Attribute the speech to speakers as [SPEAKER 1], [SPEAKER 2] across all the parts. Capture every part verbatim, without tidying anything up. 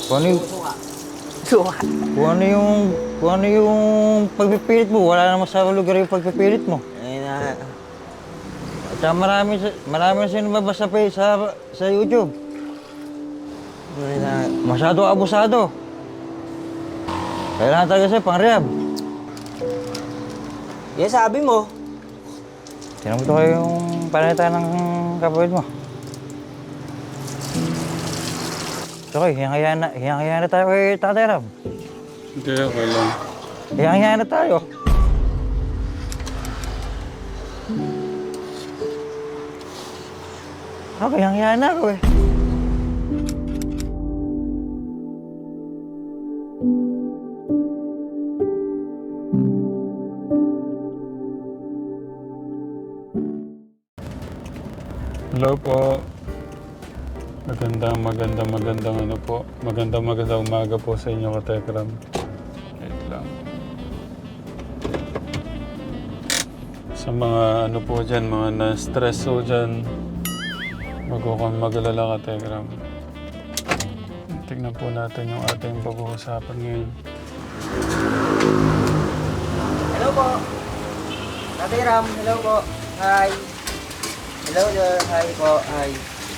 [SPEAKER 1] Kung ano yung,
[SPEAKER 2] Suka. Suka.
[SPEAKER 1] kung ano yung, kung ano yung pagpipilit mo, wala naman sa lugar yung pagpipilit mo.
[SPEAKER 2] Ayun na.
[SPEAKER 1] At saka marami, sa- marami na sinababas sa, pa- sa, sa YouTube.
[SPEAKER 2] Ayun na.
[SPEAKER 1] Masyado abusado. Kailangan talaga sa'yo, pang rehab.
[SPEAKER 2] Yan sabi mo.
[SPEAKER 1] Tinan mo ito kayo yung palitan ng kapatid mo. Okay, hiyang-hiyaan na, hiyang-hiyaan na tayo kay Tatay Ram.
[SPEAKER 3] Hindi, okay lang.
[SPEAKER 1] Hiyang-hiyaan na tayo. Okay, hiyang-hiyaan na ako eh.
[SPEAKER 3] Hello po. Magandang, magandang, magandang ano po. Magandang, magandang umaga po sa inyo, Katekram. Wait lang. Sa mga ano po dyan, mga na-stress po dyan, wag ko kang mag-alala, Katekram. Tignan po natin yung ating pag-uusapan ngayon.
[SPEAKER 2] Hello po. Tatay Ram, hello po. Hi. Hello there. Hi po. Hi.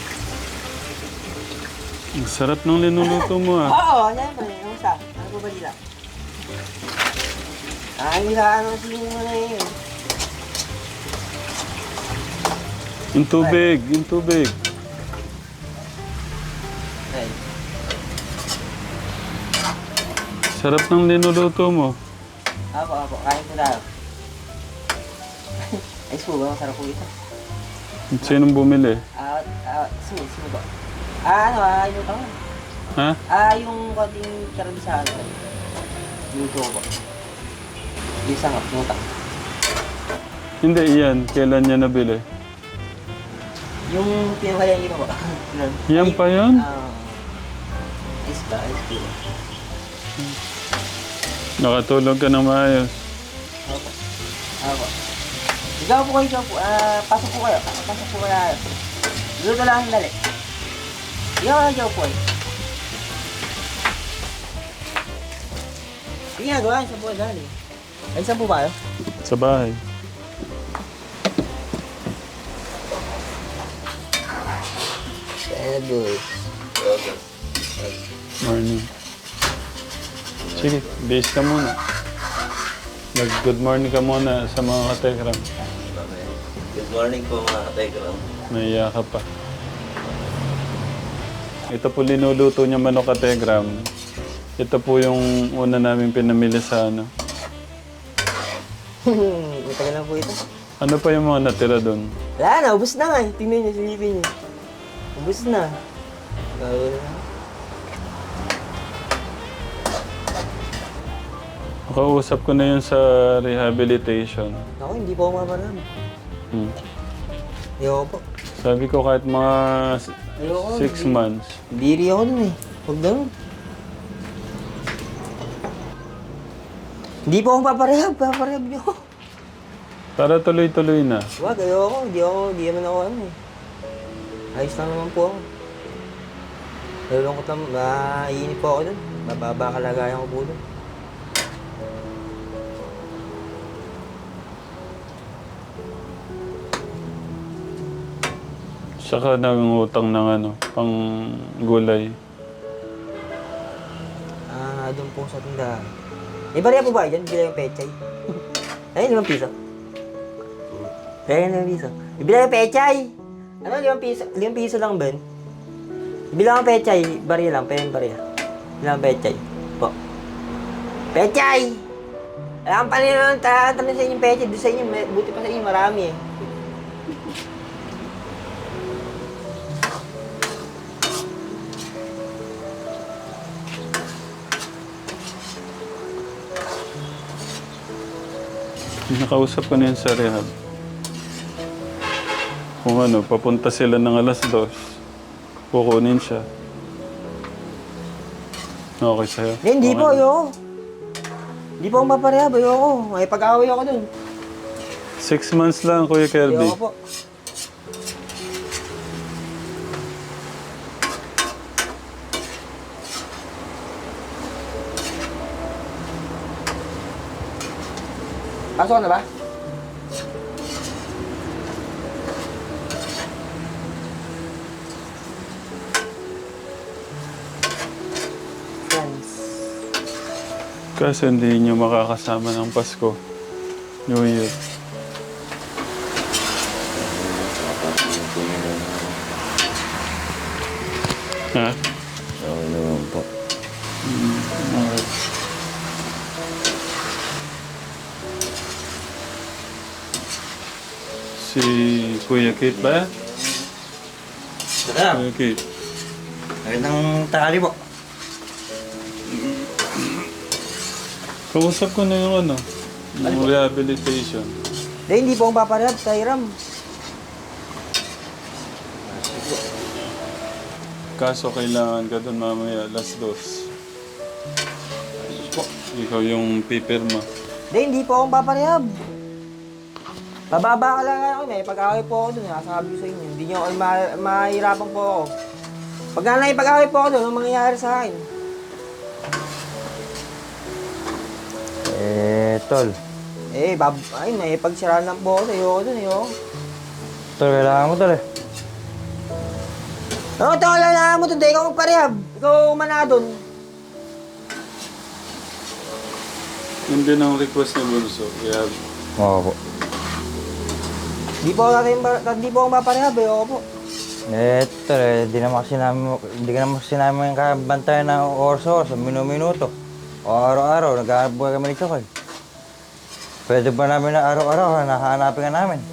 [SPEAKER 3] Ang sarap ng linuluto mo ah.
[SPEAKER 2] Oo, ano yan? Ano sa? Ano po ba nila? Ay, nila ano sino na yun.
[SPEAKER 3] Yung tubig, yung tubig.
[SPEAKER 2] Ay.
[SPEAKER 3] Sarap ng linuluto mo.
[SPEAKER 2] Apo, apo. Kain po tayo. Ay, po ba? Masarap po ito.
[SPEAKER 3] Sinong bumili?
[SPEAKER 2] Ah, ah, sumo, sumo ba? Ah, ano, ah, yung tawag.
[SPEAKER 3] Ha?
[SPEAKER 2] Ah, yung konting karabisaan. Luto ko. Yung sangap, nutak.
[SPEAKER 3] Hindi, iyan. Kailan niya nabili?
[SPEAKER 2] Yung pinakaya yun ba?
[SPEAKER 3] Yan pa yun?
[SPEAKER 2] Ah, is ba? Is ba?
[SPEAKER 3] Nakatulog ka na maayos.
[SPEAKER 2] Opo. Opo. Ikaw po kayo, ikaw po. Ah, pasok po kayo. Pasok po kayo. Luto lang dali. Ikaw kayo, ikaw po. Sige nga, gawa. Saan po kayo dali? Ay, saan po ba kayo?
[SPEAKER 3] Sa bahay.
[SPEAKER 2] Kaya boy.
[SPEAKER 3] Morning. Sige, base ka muna. Mag-good morning ka muna sa mga katekram.
[SPEAKER 4] Good morning po mga katekram.
[SPEAKER 3] Naiya ka pa. Ito po linuluto niya manok katekram. Ito po yung una namin pinamili sa ano.
[SPEAKER 2] Matagal lang po ito.
[SPEAKER 3] Ano pa yung mga natira doon?
[SPEAKER 2] Wala na, ubus na nga eh. Tingnan niyo, silipin niyo. Ubus na. Bago na.
[SPEAKER 3] Nakausap ko na yun sa rehabilitation.
[SPEAKER 2] Ako, hindi po ako mamarami.
[SPEAKER 3] Hmm.
[SPEAKER 2] Ayoko po.
[SPEAKER 3] Sabi ko kahit mga s-
[SPEAKER 2] Ayoko.
[SPEAKER 3] six months.
[SPEAKER 2] Biri ako dun eh. Huwag ganun. Hindi po ako paparehab. Paparehab niyo.
[SPEAKER 3] Para tuloy-tuloy na.
[SPEAKER 2] Huwag, ayoko. Hindi ako, hindi naman ako ano eh. Ayos lang naman po ako. Nalulungkot lang, maiinip po ako dun. Mababa kalagayan ko po dun.
[SPEAKER 3] Saka nangungutang ng ano, pang gulay.
[SPEAKER 2] Ah, doon po sa tindahan. May bariya po ba dyan? Bila yung pechay. Ayun, limang piso. Ayun, limang piso. Ibila yung pechay! Ano, limang piso? Limang piso lang ba yun? Ibila yung pechay. Bariya lang, pa yung bariya. Ibila yung pechay. Po. Pechay! Alam pa rin naman, tatanong sa inyo yung pechay. Doon sa inyo, may- buti pa sa inyo, marami eh.
[SPEAKER 3] Nakausap ko na yun sa rehab. Kung ano, papunta sila ng alas dos. Kukunin siya. Okay sa'yo?
[SPEAKER 2] Hindi, hindi
[SPEAKER 3] Okay
[SPEAKER 2] po,
[SPEAKER 3] na.
[SPEAKER 2] ayoko. Hindi po ako maparehab, ayoko. May pag-away ako dun.
[SPEAKER 3] Six months lang, Kuya Kirby.
[SPEAKER 2] Ayoko po. Pasok ka na ba? Friends.
[SPEAKER 3] Kasi hindi nyo makakasama ng Pasko. New Year. Ha?
[SPEAKER 4] Okay naman po.
[SPEAKER 3] Okay. Si Kuya Kate ba?
[SPEAKER 1] Sarap.
[SPEAKER 3] Kuya Kate.
[SPEAKER 1] Magandang tanghali po.
[SPEAKER 3] Kausap ko na yung ano, yung rehabilitation.
[SPEAKER 2] Eh, hindi po akong paparehab sa Hiram.
[SPEAKER 3] Kaso kailangan ka doon mamaya, alas dos. Ikaw yung pipirma.
[SPEAKER 2] Eh, hindi po akong paparehab. Bababa ka lang ako, may pag-away po ako dun, nasasabi ko sa inyo. Hindi nyo ako ma- mahirapan po ako. Pag na pag-away po ako dun, anong mangyayari sa akin?
[SPEAKER 1] Eh, tol.
[SPEAKER 2] Eh, bab ay, may pagsiraan lang po ako, ayoko dun, ayoko.
[SPEAKER 1] Tol, kailangan mo tol eh.
[SPEAKER 2] Ano, ito, kailangan mo dun, di ikaw magparehab. Ikaw umana dun.
[SPEAKER 3] Yun din ang request ni Bunso. Yeah.
[SPEAKER 1] Oo po.
[SPEAKER 2] Di po ako natin, di po ako maparehab, ayoko po.
[SPEAKER 1] Eh, tol eh, di naman kasi namin, hindi ka naman kasi namin kabantayan ng orso sa minu-minuto. O araw-araw, naghahanap buhay kami ni Chokoy. Pwede ba namin na araw-araw, nahanapin ka namin?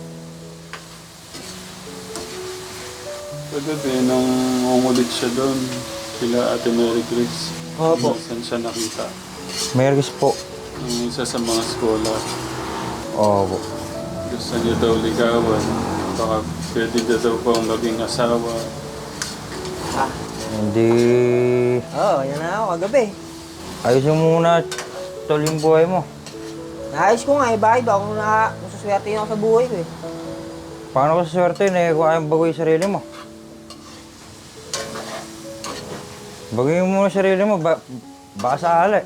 [SPEAKER 3] Pwede din nang umulit siya doon. Kila Ate Mary Grace.
[SPEAKER 2] Opo.
[SPEAKER 3] Saan siya nakita?
[SPEAKER 1] Mergis po.
[SPEAKER 3] Ang isa sa mga skola.
[SPEAKER 1] Oo po.
[SPEAKER 3] Gusto niya daw ligawan. Baka pwede na daw pang maging asawa.
[SPEAKER 2] Ah,
[SPEAKER 1] Hindi...
[SPEAKER 2] oo, yan na ako, kagabi.
[SPEAKER 1] Ayusin mo muna, tol, yung buhay mo.
[SPEAKER 2] Naayos ko nga, eh, bakit ba ako na, nasuswerte yun ako sa buhay ko eh.
[SPEAKER 1] Paano ka swerte na eh, kung ayaw bagoy yung sarili mo? Bagoyin mo muna yung sarili mo, ba baka sa ala eh.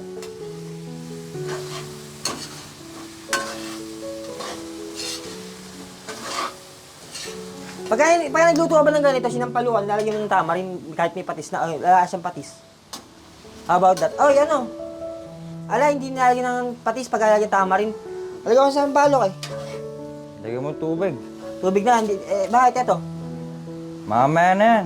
[SPEAKER 2] Pagka, pagka nagluto ka ba ng ganito, sinampaluan, lalagyan mo ng tamarin kahit may patis na, uh, lalasang patis. How about that? Oh, yan o. Ala, hindi nalagyan ng patis pag lalagyan tamarin. Lalagyan ko sa sampalok eh.
[SPEAKER 1] Lagyan mo tubig.
[SPEAKER 2] Tubig na, hindi, eh, bakit ito?
[SPEAKER 1] Mamaya na yan.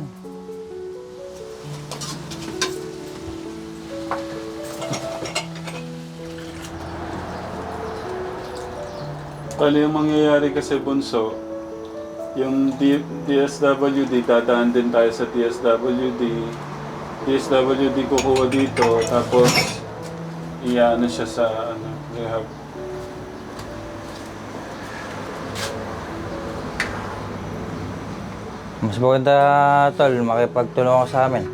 [SPEAKER 3] Bali yung mangyayari kasi Bunso, yung D- DSWD, dadaan din tayo sa D S W D. D S W D kukuha dito, tapos iyaano siya sa ano, rehab.
[SPEAKER 1] Mas maganda, tol, makipagtulungan ka sa amin.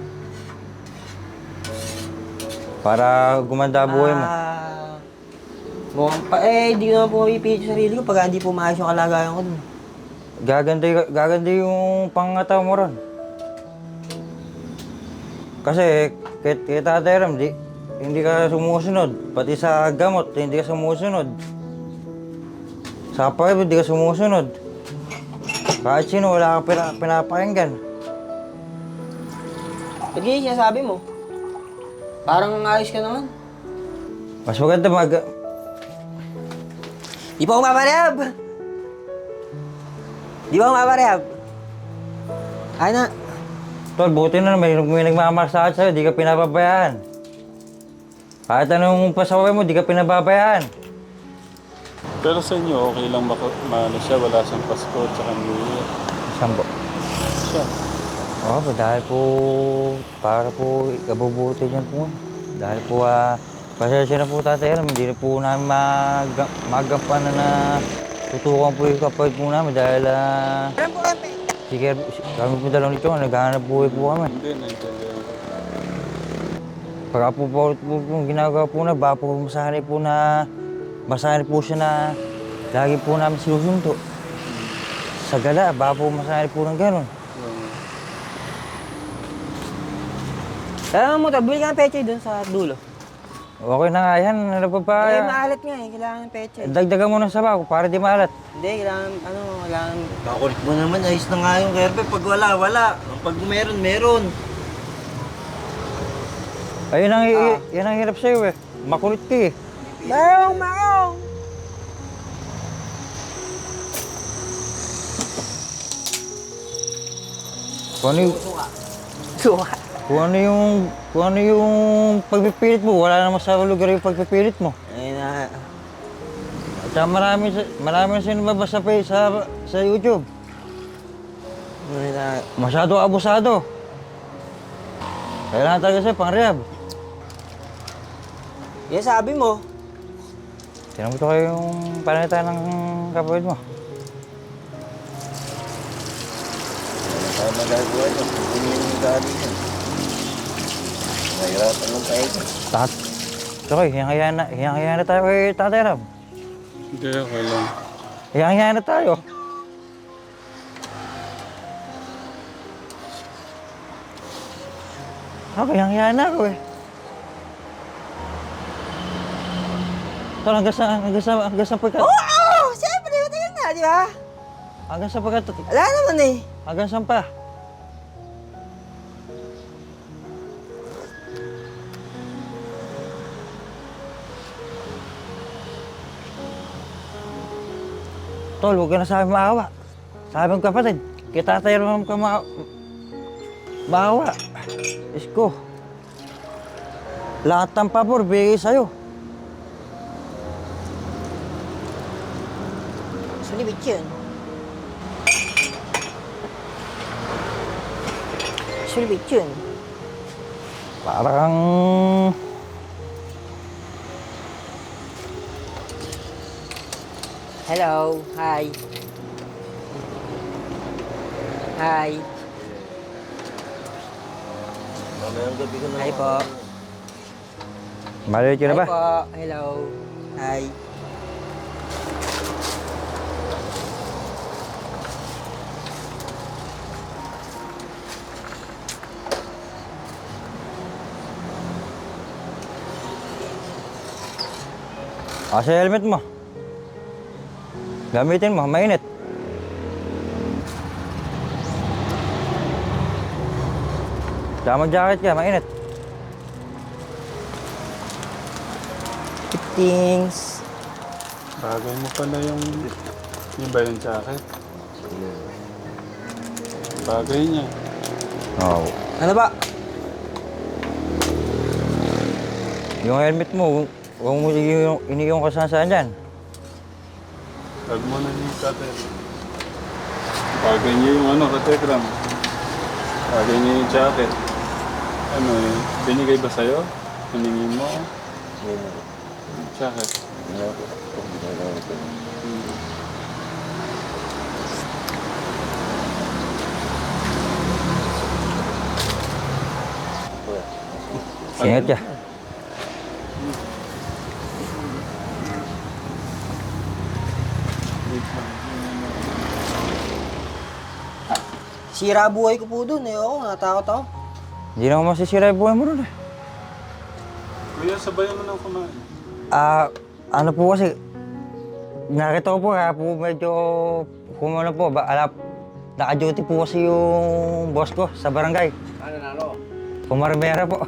[SPEAKER 1] Para gumanda ang buhay mo.
[SPEAKER 2] Ah, mukhang pa, eh, hindi ko naman po mapipilit sa sarili ko pag hindi po maayos yung kalagayan ko dun.
[SPEAKER 1] Gaganda, y- gaganda yung pangataw mo ron. Kasi, kay, kay Tatay Ram, di, hindi ka sumusunod. Pati sa gamot, hindi ka sumusunod. Sa pag hindi ka sumusunod. Kahit sino, wala kang pina, pinapakinggan.
[SPEAKER 2] Ba't ganyan sinasabi mo? Parang ayos ka naman.
[SPEAKER 1] Mas maganda mag...
[SPEAKER 2] Di pa ako maparehab! Di ba ako maparehab? Ay na.
[SPEAKER 1] Tol, buti na may, may nagmamasahe sa'yo, di ka pinapabayaan. Kahit anong pasaway mo, di ka pinababayaan.
[SPEAKER 3] Pero sa inyo, okay lang baka maano siya, wala siyang Pasko at saka New Year.
[SPEAKER 1] Saan po?
[SPEAKER 3] Siya.
[SPEAKER 1] Oo, oh, dahil po, para po ikabubuti niyan po. Dahil po, ah, pasensya na po Tatay Ram, hindi na po namin mag magampanan na tutukan po yung kapatid po namin dahil, ah,
[SPEAKER 2] Alam po kayo,
[SPEAKER 1] sige, kami po dalawang nito, naghahanap buhay po kami.
[SPEAKER 3] Hindi, naintindihan ko.
[SPEAKER 1] Pagka po po, po, po ginagawa po na, baka po masanay po na, masanay po siya na lagi po namin sinusunto. Sa gala, baka po masanay po ng gano'n.
[SPEAKER 2] alam mo, bili ka ng pechay dun sa dulo.
[SPEAKER 1] Okay na nga yan. Ano pa ba?
[SPEAKER 2] Eh, maalat nga eh. Kailangan ng pechay.
[SPEAKER 1] Dagdagan mo ng sabaw para di maalat.
[SPEAKER 2] Hindi, kailangan, ano, kailangan...
[SPEAKER 4] Kakulit mo naman, ayos na nga yung Kerbe. Pag wala, wala. Pag meron, meron.
[SPEAKER 1] Ayun ang,
[SPEAKER 2] Ah.
[SPEAKER 1] yan ang hirap sa'yo eh. Makulit ka eh.
[SPEAKER 2] Marong, marong!
[SPEAKER 1] Kung ano yung,
[SPEAKER 2] Suka.
[SPEAKER 1] kung ano yung, kung ano yung pagpipilit mo, wala naman sa lugar yung pagpipilit mo.
[SPEAKER 2] Ayun na.
[SPEAKER 1] At saka marami, sa- marami na sinababas sa, pa- sa, sa YouTube.
[SPEAKER 2] Ayun na.
[SPEAKER 1] Masyado abusado. Kailangan talaga sa'yo, pang rehab.
[SPEAKER 2] Yan sabi mo.
[SPEAKER 1] Tinan mo ito kayo yung panalitan ng kapatid mo.
[SPEAKER 4] Ano tayo magagawa niya? Hindi yung gani niya. Nahirapan lang tayo.
[SPEAKER 1] Tat. Okay, hiyang-hiya na, hiyang-hiya na tayo kay Tatay Ram.
[SPEAKER 3] Hindi, okay lang.
[SPEAKER 1] Hiyang-hiya na tayo. Ako, hiyang-hiya na ako eh. Tol, hanggang sa, hanggang sa, hanggang sa pagkat...
[SPEAKER 2] Oo! Oh, siyempre, matagal na, di ba?
[SPEAKER 1] Hanggang sa pagkat...
[SPEAKER 2] Wala naman eh.
[SPEAKER 1] Hanggang saan pa? Tol, huwag ka na sa akin maawa. Sa aming kapatid, kita tayo naman ka ma maawa. Isko. Lahat ng pabor, bigay sa'yo.
[SPEAKER 2] Sulibit yun. Sulibit yun.
[SPEAKER 1] Parang...
[SPEAKER 2] Hello, hi. Hi.
[SPEAKER 4] Mamayang gabi ko na.
[SPEAKER 2] Hi po.
[SPEAKER 1] Maliit ka na ba?
[SPEAKER 2] Hi po. Hello. Hi.
[SPEAKER 1] Ah, sa helmet mo. Gamitin mo, mainit. Tama jacket ka, mainit.
[SPEAKER 2] Things.
[SPEAKER 3] Bagay mo pala yung... Yung ba yung jacket? Bagay niya.
[SPEAKER 1] Oo.
[SPEAKER 2] Ano ba?
[SPEAKER 1] Yung helmet mo, huwag mo yung iniyong kasansaan dyan.
[SPEAKER 3] Tag mo na niya yung cutter. Bagay niya yung ano, katekram. Bagay niya yung jacket. Ano eh, binigay ba sa'yo? Hiningin mo? Jacket.
[SPEAKER 1] Ingat ka.
[SPEAKER 2] Sira buhay ko po dun eh. Oo, natakot ako.
[SPEAKER 1] Hindi naman masisira yung buhay mo nun eh.
[SPEAKER 3] Kuya, sabayan mo na kumain.
[SPEAKER 1] Ah, ano po kasi, nakita ko po kaya po medyo kumano po, ba, alap, naka-duty po kasi yung boss ko sa barangay. Ano na ano? Pumarmera po.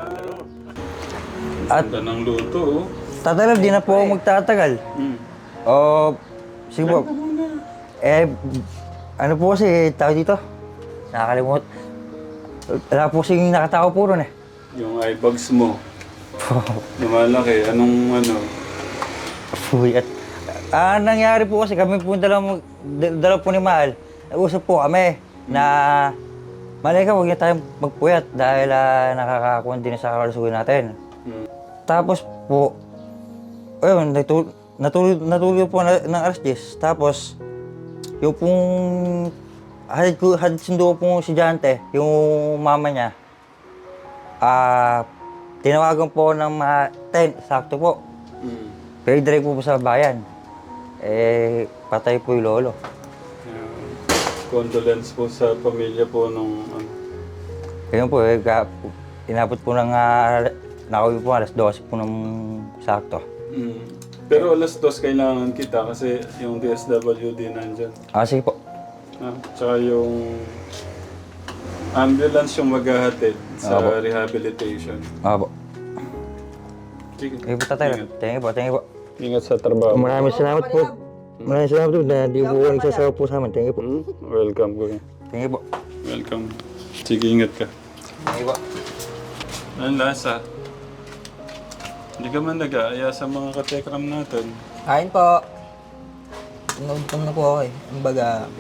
[SPEAKER 1] At
[SPEAKER 3] Ganda ng luto, oh.
[SPEAKER 1] tatalab, di na po ako magtatagal.
[SPEAKER 3] Mm.
[SPEAKER 1] O, sige po. Eh, ano po kasi, tao dito? Nakakalimut. Wala po kasing nakatao po ron eh.
[SPEAKER 3] Yung eye bags mo. Lumalaki. Anong ano?
[SPEAKER 1] Uy, at ah, nangyari po kasi kami po dalawa, dalawa po ni Mahal. Nag-usap po kami na malay ka, huwag niya tayong magpuyat dahil uh, nakakakuha din sa kalusugan natin.
[SPEAKER 3] Hmm.
[SPEAKER 1] Tapos po, ayun, natulog, natulog, natulog po na, ng alas diyes. Tapos, yung pong hadid ko, hadid sundo ko pong estudyante, yung mama niya, ah, tinawagan po ng mga ten, sakto po.
[SPEAKER 3] Mm.
[SPEAKER 1] Pero direct po po sa bayan. Eh, patay po yung lolo.
[SPEAKER 3] Yeah. Condolence po sa pamilya po nung ano.
[SPEAKER 1] Ayun po, eh, ka, inabot po ng uh, nakauwi po alas dose po ng sakto.
[SPEAKER 3] Mm. Pero alas dos kailangan kita kasi yung D S W D nandyan.
[SPEAKER 1] Ah, sige po.
[SPEAKER 3] Ah, tsaka yung ambulance yung maghahatid sa
[SPEAKER 1] Opo.
[SPEAKER 3] rehabilitation.
[SPEAKER 1] Ah, po.
[SPEAKER 3] Sige.
[SPEAKER 1] Sige po, tatay.
[SPEAKER 3] Ingat.
[SPEAKER 1] Thank you po, thank you po.
[SPEAKER 3] Ingat sa trabaho.
[SPEAKER 1] Maraming salamat po. Maraming salamat po na di po nagsasawa po sa amin. Thank you po.
[SPEAKER 3] Hmm? Welcome, kuya.
[SPEAKER 1] Thank you po.
[SPEAKER 3] Welcome. Sige, ingat ka.
[SPEAKER 1] Thank you po.
[SPEAKER 3] Ang lasa. Hindi ka man nag-aaya sa mga katekram natin.
[SPEAKER 2] Kain po. Naudtom na po ako eh. Ang baga,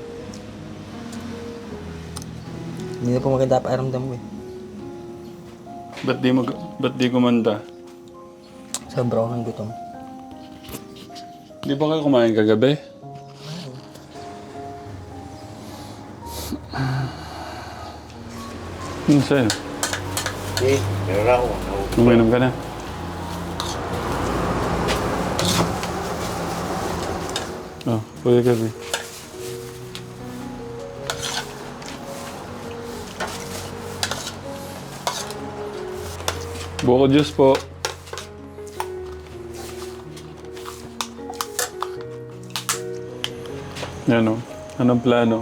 [SPEAKER 2] hindi na po maganda pakiramdam ko eh.
[SPEAKER 3] Ba't di, mag ba't di kumanda?
[SPEAKER 2] Sobrang gutom.
[SPEAKER 3] Di ba kayo kumain kagabi? Ano sa'yo?
[SPEAKER 4] Eh, meron ako.
[SPEAKER 3] Uminom ka na. Oh, Kuya Gabi. Buko juice po. Yan o. Anong plano?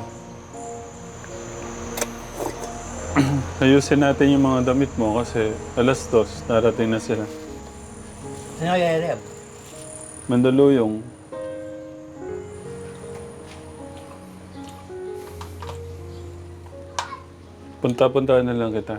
[SPEAKER 3] Ayusin natin yung mga damit mo kasi alas dos, darating na sila.
[SPEAKER 2] Ano kaya Reb?
[SPEAKER 3] Mandaluyong. Punta-punta na lang kita.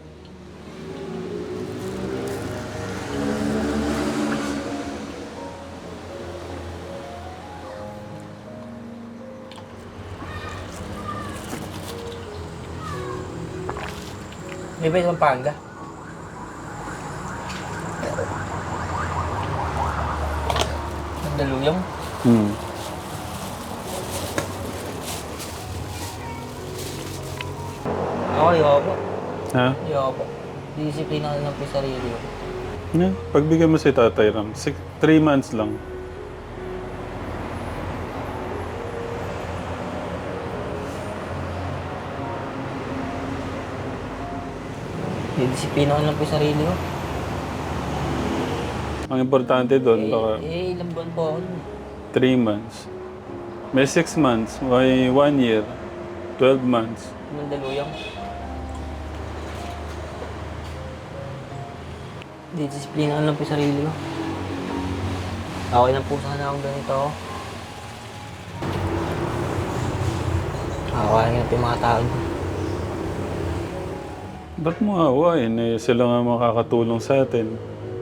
[SPEAKER 2] May ba yung Pampanga? Mandaluyong?
[SPEAKER 3] Hmm.
[SPEAKER 2] Ako, ayoko po.
[SPEAKER 3] Ha?
[SPEAKER 2] Ayoko po. Disiplina ko lang po yung sarili ko.
[SPEAKER 3] Yeah. Pagbigyan mo si Tatay Ram, six, three months lang.
[SPEAKER 2] Disiplina ko lang po yung sarili ko.
[SPEAKER 3] Ang importante doon,
[SPEAKER 2] Eh,
[SPEAKER 3] baka
[SPEAKER 2] eh, ilang buwan po ako nun.
[SPEAKER 3] three months. May six months, may one year, twelve months.
[SPEAKER 2] Mandaluyong. Disiplina ko lang po yung sarili ko. Okay lang po sana akong ganito ako. Akawain nga po yung mga tao.
[SPEAKER 3] Ba't mo awain? Eh, sila nga makakatulong sa atin.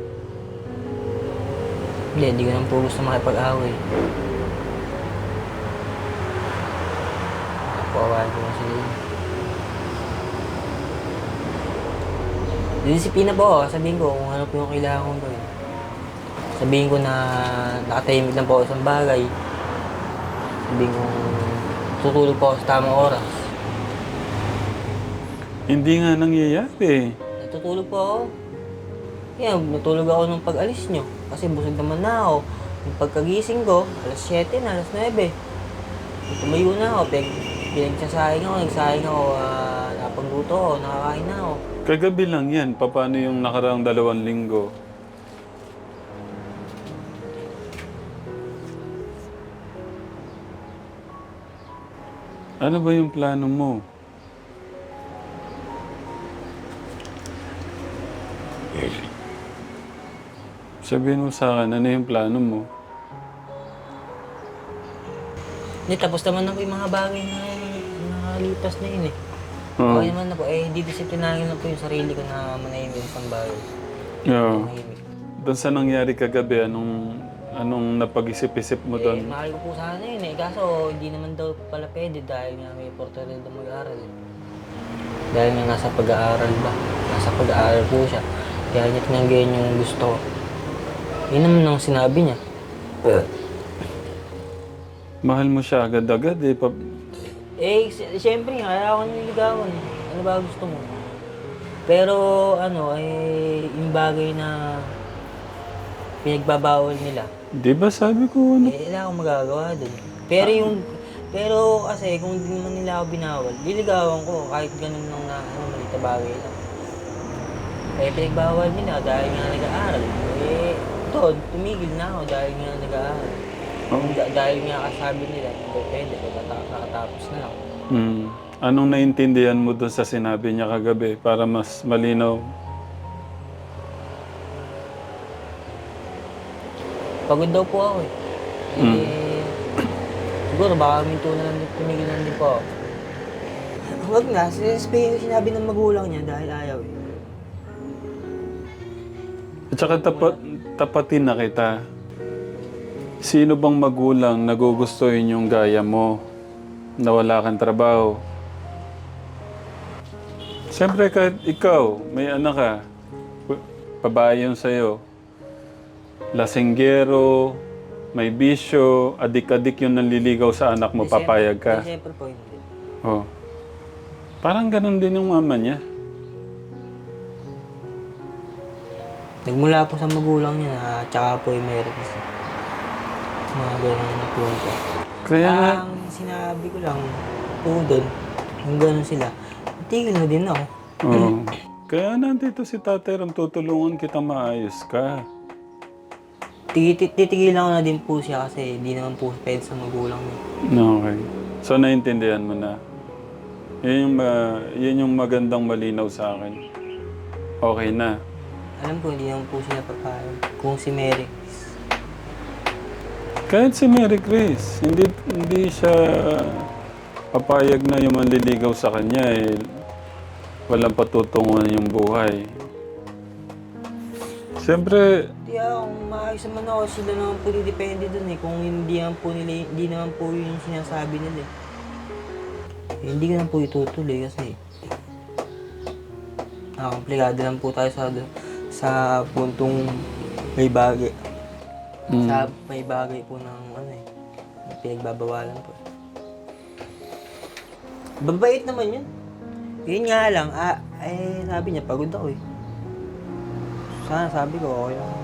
[SPEAKER 2] Hindi, hindi ko naman po gusto makipag-away. Nakapawain ko kasi. Disiplina po ako. Sabihin ko kung ano po yung kailangan kong gawin. Sabihin ko na nakatahimik lang po ako sa isang bagay. Sabihin ko tutulog po ako sa tamang oras.
[SPEAKER 3] Hindi nga nangyayari.
[SPEAKER 2] Natutulog po ako. Kaya natulog ako nung pag-alis nyo. Kasi busog naman na ako. Yung pagkagising ko, alas siyete na, alas nuwebe. Tumayo na ako. Pag pinagsasayang ako, nagsayang ako, uh, napagluto ako, nakakain na ako.
[SPEAKER 3] Kagabi lang yan. Paano yung nakaraang dalawang linggo? Ano ba yung plano mo? Sabihin mo sa akin, ano yung plano mo?
[SPEAKER 2] Hindi, tapos naman na po yung mga bagay na nakalipas na yun eh.
[SPEAKER 3] Oo.
[SPEAKER 2] Okay naman na po. Eh, didisiplinahin lang po yung sarili ko na manahimik sa bagay.
[SPEAKER 3] Yeah.
[SPEAKER 2] Manahimik.
[SPEAKER 3] Doon sa nangyari kagabi, anong, anong napag-isip-isip mo
[SPEAKER 2] Eh,
[SPEAKER 3] doon?
[SPEAKER 2] mahal ko po sana yun eh. Kaso, hindi naman daw pala pwede dahil nga may portal daw mag-aaral eh. Dahil nga nasa pag-aaral ba? Nasa pag-aaral po siya. Kaya niya tinanggihan yung gusto ko. Yun naman ang sinabi niya.
[SPEAKER 3] Mahal mo siya agad-agad eh. Pa-
[SPEAKER 2] Eh, si- siyempre nga, kaya ako nililigawan eh. Ano ba gusto mo? Pero, ano, eh, yung bagay na pinagbabawal nila,
[SPEAKER 3] Di ba sabi ko ano?
[SPEAKER 2] eh, wala akong magagawa dun. Pero yung, pero kasi kung hindi naman nila ako binawal, liligawan ko kahit ganun lang na, ano, malita bagay lang. Eh, pinagbawal nila dahil nga nag-aaral. Eh, doon, tumigil na ako dahil nga nag-aaral.
[SPEAKER 3] Oh.
[SPEAKER 2] Da- dahil nga kasabi nila, hindi pwede, nakata- nakatapos na ako.
[SPEAKER 3] Hmm. Anong naintindihan mo doon sa sinabi niya kagabi para mas malinaw?
[SPEAKER 2] Pagod daw po ako eh. Eh, siguro baka minto na lang din, tumigil na lang din po ako. Huwag na, sin- sinabi ng magulang niya dahil ayaw eh.
[SPEAKER 3] At saka tapat, tapatin na kita. Sino bang magulang nagugustuhin yung gaya mo na wala kang trabaho? Siyempre kahit ikaw, may anak ka, p- babae yun sa'yo. Lasinggero, may bisyo, adik-adik yung nanliligaw sa anak mo,
[SPEAKER 2] Eh, siyempre-
[SPEAKER 3] papayag ka.
[SPEAKER 2] eh, Siyempre po hindi.
[SPEAKER 3] Oh. Parang ganun din yung mama niya.
[SPEAKER 2] Nagmula po sa magulang niya na tsaka po yung meron isa. Mga ganun na po ito.
[SPEAKER 3] Kaya nga,
[SPEAKER 2] Ang sinabi ko lang po doon, yung ganun sila, tigil na din ako.
[SPEAKER 3] oh. Kaya nandito si Tatay Ram, tutulungan kita maayos ka.
[SPEAKER 2] Titi- Titigilan ko na din po siya kasi di naman po pwede sa magulang niya.
[SPEAKER 3] Okay. So, naintindihan mo na. Yun yung, ma- yun yung magandang malinaw sa akin. Okay na.
[SPEAKER 2] Alam ko, hindi naman po siya papayag. Kung si Mary,
[SPEAKER 3] Kahit si Mary Grace, hindi, hindi siya papayag na yung manliligaw sa kanya eh. Walang patutunguhan yung buhay. Siyempre,
[SPEAKER 2] hindi ah, kung maayos naman ako, sila naman po didepende dun eh. Kung hindi naman po nila, hindi naman po yun yung sinasabi nila eh. Eh, hindi ko naman po itutuloy kasi nakakomplikado lang po tayo sa sa puntong may bagay.
[SPEAKER 3] mm,
[SPEAKER 2] Sa may bagay po ng ano eh, na pinagbabawalan po. Babait naman yun. Yun nga lang, ah, eh, sabi niya, pagod ako eh. Sana sabi ko, okay lang.